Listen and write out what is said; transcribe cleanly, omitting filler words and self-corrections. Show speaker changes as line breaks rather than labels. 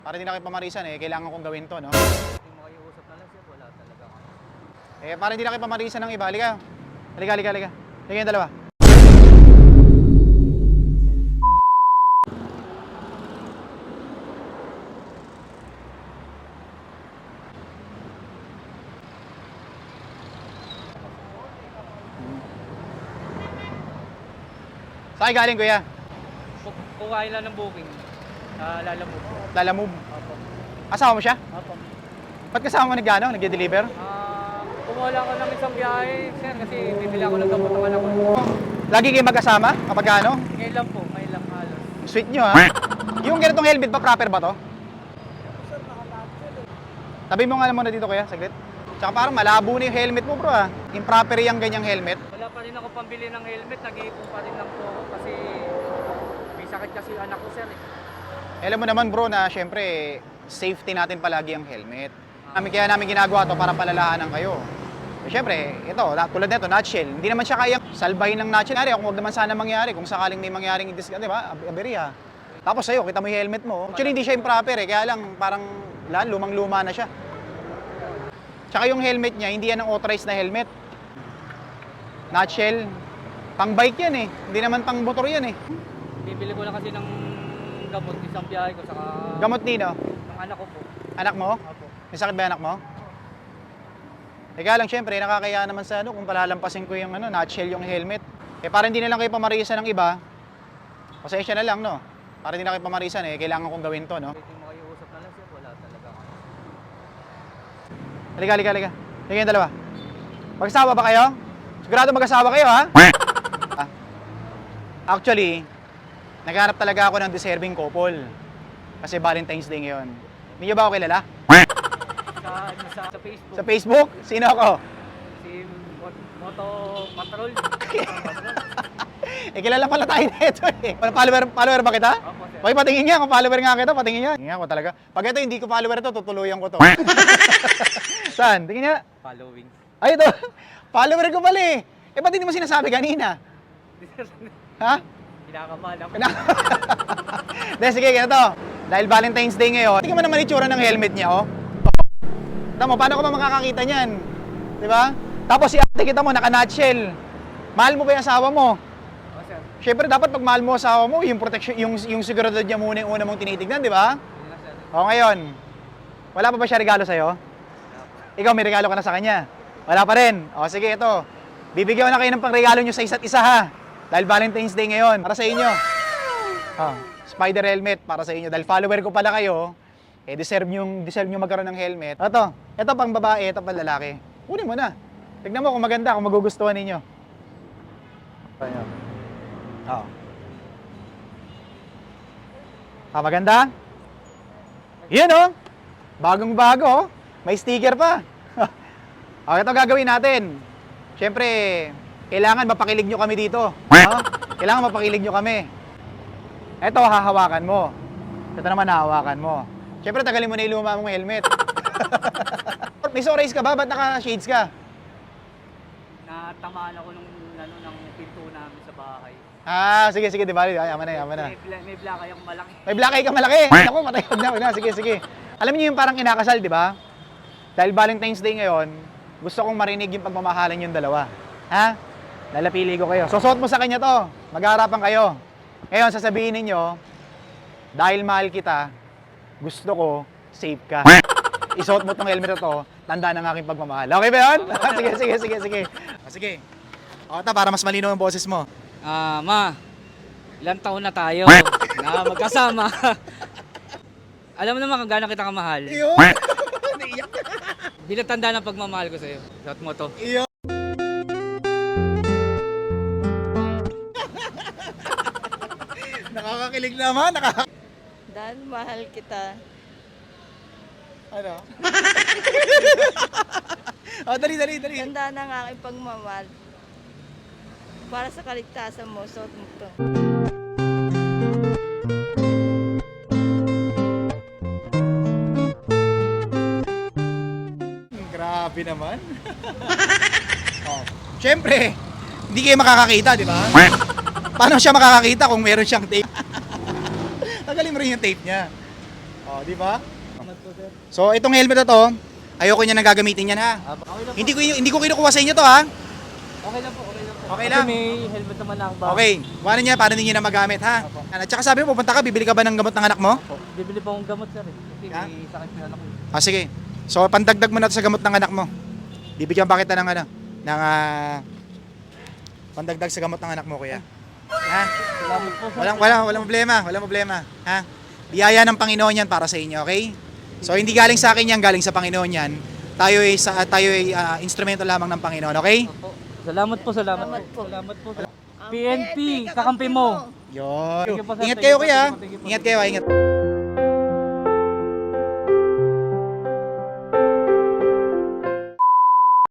Para hindi na kayo pamarisan kailangan kong gawin to, no?
Hindi makiusap na lang siya, wala talaga ako.
Para hindi na kayo pamarisan ng iba, halika. Halika, halika, halika. Halika yung dalawa. Saan galing, kuya?
Kukain lang ng booking. Lalamove po.
Lalamove.
Opo.
Asawa mo siya?
Opo.
Ba't kasama mo nag-deliver?
Kumuha lang ako ng isang biyahe, sir, kasi bibili ako ng gamot ng anak ko.
Lagi kayo mag-asama kapag ano?
Ngayon lang po, ngayon lang halos.
Sweet nyo, ha? Yung ganitong helmet ba, proper ba to? Tabi mo nga muna dito, kuya, saglit. Tsaka parang malabo na yung helmet mo, bro, ha? Improper yung ganyang helmet.
Wala pa rin ako pambili ng helmet, nag-iipon pa rin lang po ako kasi may sakit kasi yung anak ko, sir.
Alam mo naman, bro, na syempre, safety natin palagi ang helmet. Kaya namin ginagawa to para palalahanan kayo. Syempre, ito, tulad nito, nutshell. Hindi naman siya kayang salbahin ng nutshell. Kung wag naman sana mangyari, kung sakaling may mangyaring di ba? Aberya. Tapos sa'yo, kita mo yung helmet mo. Actually, hindi siya improper kaya lang parang lumang-luma na siya. Tsaka yung helmet niya, hindi yan ang authorized na helmet. Nutshell, pang bike yan Hindi naman pang motor yan
Bibili ko lang kasi ng gamot, isang biyahe ko, saka
Gamot nino?
ng anak ko po.
Anak mo?
Opo.
May sakit ba yung anak mo? Kaya lang, syempre, nakakaya naman sa kung palalampasin ko yung nutshell yung helmet. Para hindi na lang kayo pamarisan ng iba, pasensya na lang, no? Para hindi na kayo pamarisan kailangan kong gawin to, no?
Hindi makiusap na lang siya, wala talaga ako.
Halika, halika, halika. Halika yung dalawa. Mag-asawa ba kayo? Sigurado mag-asawa kayo, ha? Actually, naghanap talaga ako ng deserving couple. Kasi Valentine's Day ngayon. Hindi niyo ba ako kilala?
Sa Facebook.
Sa Facebook? Sino ako?
Si Moto Patrol.
Kilala pala tayo nito Follower ba kita?
Opo, sir.
Okay, patingin nga. Kung follower nga kita, patingin nga. Tingin nga ko talaga. Pag ito hindi ko follower ito, tutuluyan ko to. Saan? Tingin nga.
Following.
Ay, ito. Follower ko pala ba't hindi mo sinasabi kanina? Ha?
Kinakabahan ako.
Sige, ganito. Dahil Valentine's Day ngayon, tingnan mo naman itsura ng helmet niya, Tama, paano ka ba makakakita niyan? Di ba? Tapos si ate kita mo, naka-nutshell. Mahal mo ba yung asawa mo?
Oh, sir.
Siyempre, dapat pag mahal mo asawa mo, yung protection, yung seguridad niya muna yung una mong tinitignan, di ba?
Yun lang, sir.
O ngayon, wala pa ba siya regalo sa'yo? Ikaw, may regalo ka na sa kanya? Wala pa rin. O sige, ito. Bibigyan ko na kayo ng pangregalo nyo sa isa't isa, ha? Dahil Valentine's Day ngayon, para sa inyo. Spider helmet para sa inyo. Dahil follower ko pala kayo, deserve nyo magkaroon ng helmet. Ito pang babae, ito pang lalaki. Kunin mo na. Tignan mo kung maganda, kung magugustuhan ninyo. Ayan. Maganda? Yan bagong bago May sticker pa. Ito gagawin natin. Siyempre, kailangan mapakilig nyo kami dito. Kailangan mapakilig nyo kami. Ito, hahawakan mo. Ito naman, hahawakan mo. Siyempre, tagalin mo na yung luma mong helmet. May sunrise ka ba? Ba't naka-shades ka?
Natamaan ako ng pinto namin sa bahay.
Sige, di ba? Yaman na.
May black eye akong malaki.
May black eye ka malaki. Ako, matay. Wag na. Sige. Alam niyo yung parang inakasal, di ba? Dahil Valentine's Day ngayon, gusto kong marinig yung pagmamahalan yung dalawa. Lalapili ko kayo. Susuot mo sa kanya to. Mag-aarapan kayo. Ngayon, sasabihin ninyo, dahil mahal kita, gusto ko, safe ka. Isuot mo tong helmet na to, tanda ng aking pagmamahal. Okay ba yun? Sige. Sige. Para mas malinaw ang boses mo.
Ma, ilang taon na tayo na magkasama. Alam mo naman kung gaano kita kamahal.
Iyo.
Bilang tanda ng pagmamahal ko sa'yo. Suot mo to.
Iyo. Nakakakilig naman.
Dahil mahal kita.
Ano? Dali.
Tanda ng aking pagmamahal. Para sa kaligtasan mo, suot mo to.
Grabe naman. Siyempre, hindi kayo makakakita, di ba? Paano siya makakakita kung meron siyang tape? Tagalin mo rin yung tape niya. Oh, di ba?
Salamat po, sir.
So, itong helmet na to, ayoko niya nang gagamitin yan ha.
Okay lang po.
Hindi ko kinukuha sa inyo to ha.
Okay lang po, okay lang po.
Okay
Kasi
lang.
may helmet naman na ako ba?
Okay, wala niya para hindi niya na magamit ha. At saka sabi mo, pupunta ka, bibili ka ba ng gamot ng anak mo?
Po. Bibili pa akong gamot, sir. Kasi
Ha?
may sakit pa yung anak ko.
Ah, sige. So, pandagdag mo na to sa gamot ng anak mo. Bibigyan pa kita ng ano, ng pandagdag sa gamot ng anak mo, kuya. Ha?
Salamat po, sir.
Walang problema, ha? Biyaya ng Panginoon yan para sa inyo, okay? So, hindi galing sa akin yan, galing sa Panginoon yan. Tayo ay instrumento lamang ng Panginoon, okay?
Opo. Salamat po, salamat
Salamat
po.
po.
Salamat po. PNP, kakampi mo.
Yun.
Thank you po, sir.
Ingat
Thank
kayo,
you po,
kuya.
thank you po.
Ingat kayo, ingat.